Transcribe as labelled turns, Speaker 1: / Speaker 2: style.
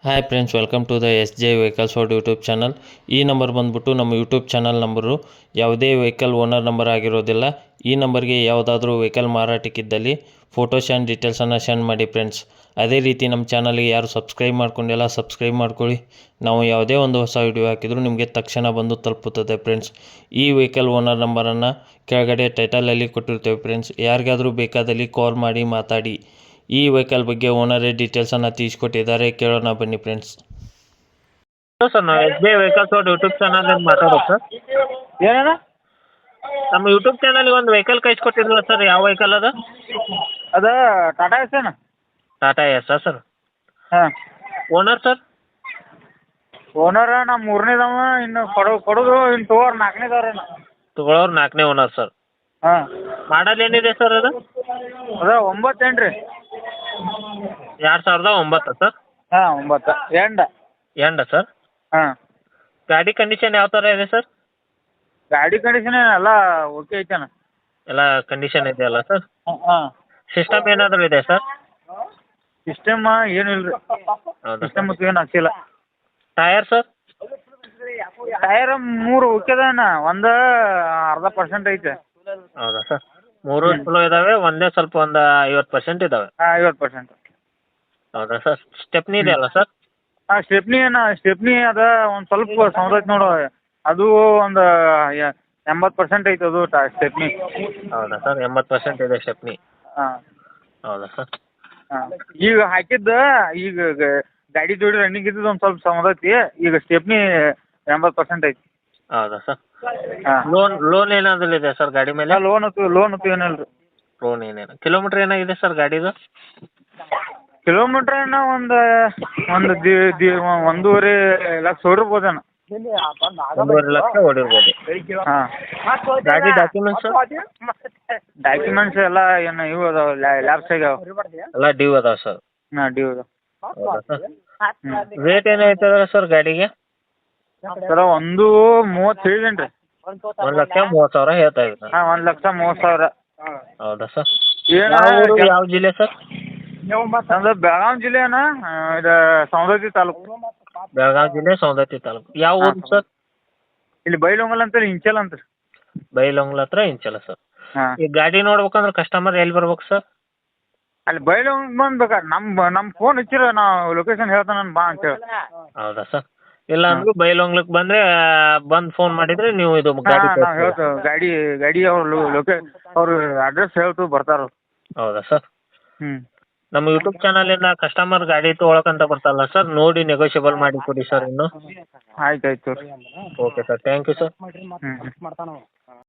Speaker 1: Hi friends, welcome to the S J vehicles for YouTube channel. ಈ number ಬಂದುಬಿಟ್ಟು ನಮ್ಮ YouTube channel number. ಯಾವುದೇ vehicle owner number ಆಗಿರೋದಿಲ್ಲ. ಈ ನಂಬರ್ಗೆ ಯಾವುದಾದ್ರೂ ವೆಹಿಕಲ್ ಮಾರಾಟಕ್ಕಿದ್ದಲ್ಲಿ ಫೋಟೋಸ್ ಆ್ಯಂಡ್ ಡೀಟೇಲ್ಸನ್ನು ಸೆಂಡ್ ಮಾಡಿ ಫ್ರೆಂಡ್ಸ್. ಅದೇ ರೀತಿ ನಮ್ಮ ಚಾನಲ್ಗೆ ಯಾರು ಸಬ್ಸ್ಕ್ರೈಬ್ ಮಾಡ್ಕೊಂಡಿಲ್ಲ ಸಬ್ಸ್ಕ್ರೈಬ್ ಮಾಡ್ಕೊಳ್ಳಿ. ನಾವು ಯಾವುದೇ ಒಂದು ಹೊಸ ವಿಡಿಯೋ ಹಾಕಿದರೂ ನಿಮಗೆ ತಕ್ಷಣ ಬಂದು ತಲುಪುತ್ತದೆ ಫ್ರೆಂಡ್ಸ್. ಈ ವೆಹಿಕಲ್ ಓನರ್ ನಂಬರನ್ನು ಕೆಳಗಡೆ ಟೈಟಲಲ್ಲಿ ಕೊಟ್ಟಿರ್ತೇವೆ ಫ್ರೆಂಡ್ಸ್. ಯಾರಿಗಾದರೂ ಬೇಕಾದಲ್ಲಿ ಕಾಲ್ ಮಾಡಿ ಮಾತಾಡಿ. ಈ ವೆಹಿಕಲ್ ಬಗ್ಗೆ ಓನರೇ ಡೀಟೇಲ್ಸನ್ನು ತಿಳಿಸ್ಕೊಟ್ಟಿದ್ದಾರೆ, ಕೇಳೋಣ ಬನ್ನಿ ಫ್ರೆಂಡ್ಸ್.
Speaker 2: ಸರ್ ನಾವು S B I vehicles YouTube channel ಮಾತಾಡೋದು ಸರ್.
Speaker 3: ಏನೇನ
Speaker 2: ನಮ್ಮ ಯೂಟ್ಯೂಬ್ ಚಾನಲ್ಗೆ ಒಂದು ವೆಹಿಕಲ್ ಕಳಿಸ್ಕೊಟ್ಟಿದ್ರಲ್ಲ ಸರ್, ಯಾವ ವೆಹಿಕಲ್ ಅದು?
Speaker 3: ಅದು ಟಾಟಾ ಎಸ್ ಏನು?
Speaker 2: Tata S sir.
Speaker 3: ಹಾಂ.
Speaker 2: Owner sir?
Speaker 3: ಓನರ ನಮ್ಮ ಮೂರನೇದವ, ಇನ್ನು ಕೊಡೋದು ಇನ್ನು ತಗೋರು ನಾಲ್ಕನೇದವ್ರೇನು.
Speaker 2: ತಗೊಳ್ಳೋರು 4ನೇ ಓನರ್ ಸರ್.
Speaker 3: ಹಾಂ.
Speaker 2: ಮಾಡಲ್ ಏನಿದೆ ಸರ್ ಅದು?
Speaker 3: ಅದ 9 ರೀ.
Speaker 2: 2009 ಸರ್?
Speaker 3: ಹಾಂ 9
Speaker 2: ಎಂಡ ಸರ್?
Speaker 3: ಹಾಂ.
Speaker 2: ಗಾಡಿ ಕಂಡೀಷನ್ ಯಾವ ಥರ ಇದೆ ಸರ್?
Speaker 3: ಗಾಡಿ ಕಂಡೀಷನ್ ಎಲ್ಲ ಓಕೆ ಐತೇನ?
Speaker 2: ಎಲ್ಲ ಕಂಡೀಷನ್ ಇದೆಯಲ್ಲ ಸರ್?
Speaker 3: ಹಾಂ.
Speaker 2: ಸಿಸ್ಟಮ್ ಏನಾದರೂ ಇದೆ ಸರ್?
Speaker 3: ಸಿಸ್ಟಮ್ ಏನಿಲ್ಲ ರೀ.
Speaker 2: ಹೌದಾ
Speaker 3: ಸಿಸ್ಟಮ್
Speaker 2: ಸರ್?
Speaker 3: ಏನು ಹಾಕ್ಸಿಲ್ಲ.
Speaker 2: Tyre sir?
Speaker 3: ಟೈರ್ 3 ಓಕೆದಾನ, ಒಂದು 0.5% ಐತೆ.
Speaker 2: ಹೌದಾ ಸರ್? 3 ಚಲೋ ಇದ್ದಾವೆ, ಒಂದೇ ಸ್ವಲ್ಪ ಒಂದು 50% ಇದ್ದಾವೆ.
Speaker 3: ಹಾಂ 50%.
Speaker 2: ಹೌದಾ ಸರ್? ಸ್ಟೆಪ್ನಿ ಇದೆಯಲ್ಲ ಸರ್?
Speaker 3: ಹಾಂ ಸ್ಟೆಪ್ನಿ ಅದ ಒಂದು ಸ್ವಲ್ಪ ಸೌಂಡ್ ಐತೆ ನೋಡು. ಅದು ಒಂದು 80% ಐತೆ ಅದು ಸ್ಟೆಪ್ನಿ.
Speaker 2: ಹೌದಾ ಸರ್? 80% ಇದೆ ಸ್ಟೆಪ್ನಿ.
Speaker 3: ಹಾಂ.
Speaker 2: ಹೌದಾ ಸರ್?
Speaker 3: ಹಾಂ. ಈಗ ಹಾಕಿದ್ದ ಈಗ ಗಾಡಿ ಜೋಡಿ ರನ್ನಿಂಗ್ ಇದ್ದದ್ದು ಒಂದು ಸ್ವಲ್ಪ ಸೌಂಡ್ ಐತಿ. ಈಗ ಸ್ಟೆಪ್ನಿ 80% ಐತಿ.
Speaker 2: ಹೌದಾ ಸರ್?
Speaker 3: ಹಾಂ.
Speaker 2: ಲೋನ್ ಏನಾದರೂ ಇದೆ ಸರ್ ಗಾಡಿ ಮೇಲೆ?
Speaker 3: ಲೋನ್ ಅಂತೂ ಏನಿಲ್ಲ ರೀ.
Speaker 2: ಲೋನ್ ಏನೇನು ಕಿಲೋಮೀಟ್ರ್ ಏನಾಗಿದೆ ಸರ್ ಗಾಡಿದು?
Speaker 3: ಕಿಲೋಮೀಟ್ರ್ ಏನೋ ಒಂದು 1.5 ಲಕ್ಷ ಹೊಡಿರ್ಬೋದೇನೋ.
Speaker 2: 1.5 ಲಕ್ಷ ಓಡಿರ್ಬೋದು.
Speaker 3: ಹಾಂ.
Speaker 2: ಗಾಡಿ ಡಾಕ್ಯುಮೆಂಟ್ಸ್?
Speaker 3: ಡಾಕ್ಯುಮೆಂಟ್ಸ್ ಎಲ್ಲ ಏನು ಇವು ಅದಾವೆ, ಲ್ಯಾಬ್ಸ್ ಆಗ್ಯಾವ.
Speaker 2: ಎಲ್ಲ ಡ್ಯೂ ಅದಾವೆ ಸರ್?
Speaker 3: ಹಾಂ ಡ್ಯೂ ಅದಾವೆ.
Speaker 2: ಹೌದಾ ಸರ್? ರೇಟ್ ಏನಾಯ್ತದ ಸರ್ ಗಾಡಿಗೆ?
Speaker 3: ಸರ 1.30 ಹೇಳಿದೇನು ರೀ.
Speaker 2: 1,30,000 ಹೇಳ್ತಾ ಇದ್ದೀರಾ?
Speaker 3: ಹಾಂ 1,30,000.
Speaker 2: ಹೌದಾ ಸರ್?
Speaker 3: ಏನು
Speaker 2: ಯಾವ ಜಿಲ್ಲೆ ಸರ್?
Speaker 3: ನಮ್ದು ಬೆಳಗಾವಿ ಜಿಲ್ಲೆನ, ಇದು ಸೌಂದರ್ತಿ ತಾಲೂಕು.
Speaker 2: ಬೆಳಗಾವಿ ಜಿಲ್ಲೆ ಸೌಂದತ್ತಿ ತಾಲೂಕು. ಯಾವ ಊರು ಸರ್?
Speaker 3: ಇಲ್ಲಿ ಬೈಲೊಂಗಲ್ ಅಂತೇಳಿ ಇಂಚಲ್ ಅಂತ.
Speaker 2: ಬೈಲೊಂಗ್ಲ ಹತ್ರ ಇಂಚಲ ಸರ್.
Speaker 3: ಹಾಂ.
Speaker 2: ಈ ಗಾಡಿ ನೋಡ್ಬೇಕಂದ್ರೆ ಕಸ್ಟಮರ್ ಎಲ್ಲಿ ಬರ್ಬೇಕು ಸರ್?
Speaker 3: ಅಲ್ಲಿ ಬೈಲೊಂಗ್ ಬಂದ್ಬೇಕಾರೆ ನಮ್ಮ ಫೋನ್ ಹಚ್ಚಿರ ನಾವು ಲೊಕೇಶನ್ ಹೇಳ್ತಾನೆ ನಾನು ಬಾ ಅಂತೇಳಿ.
Speaker 2: ಹೌದಾ ಸರ್? ಇಲ್ಲ ಅಂದ್ರೂ ಬೈಲೊಂಗ್ಲಕ್ಕೆ ಬಂದರೆ ಬಂದು ಫೋನ್ ಮಾಡಿದರೆ ನೀವು ಇದು ಗಾಡಿ
Speaker 3: ಹಾಂ ನಾವು ಹೇಳ್ತೇವೆ. ಗಾಡಿ ಅವ್ರು ಅವ್ರ ಅಡ್ರೆಸ್ ಹೇಳ್ತು ಬರ್ತಾರೆ.
Speaker 2: ಹೌದಾ ಸರ್?
Speaker 3: ಹ್ಞೂ.
Speaker 2: ನಮ್ಮ ಯೂಟ್ಯೂಬ್ ಚಾನಲಿಂದ ಕಸ್ಟಮರ್ ಗಾಡಿ ತೊಗೊಳಕಂತ ಬರ್ತಾರಲ್ಲ ಸರ್, ನೋಡಿ ನೆಗೋಷಿಯಬಲ್ ಮಾಡಿ ಕೊಡಿ ಸರ್ ಇನ್ನು.
Speaker 3: ಆಯ್ತು ರೀ.
Speaker 2: Okay sir, thank you sir.
Speaker 3: ಹ್ಞೂ.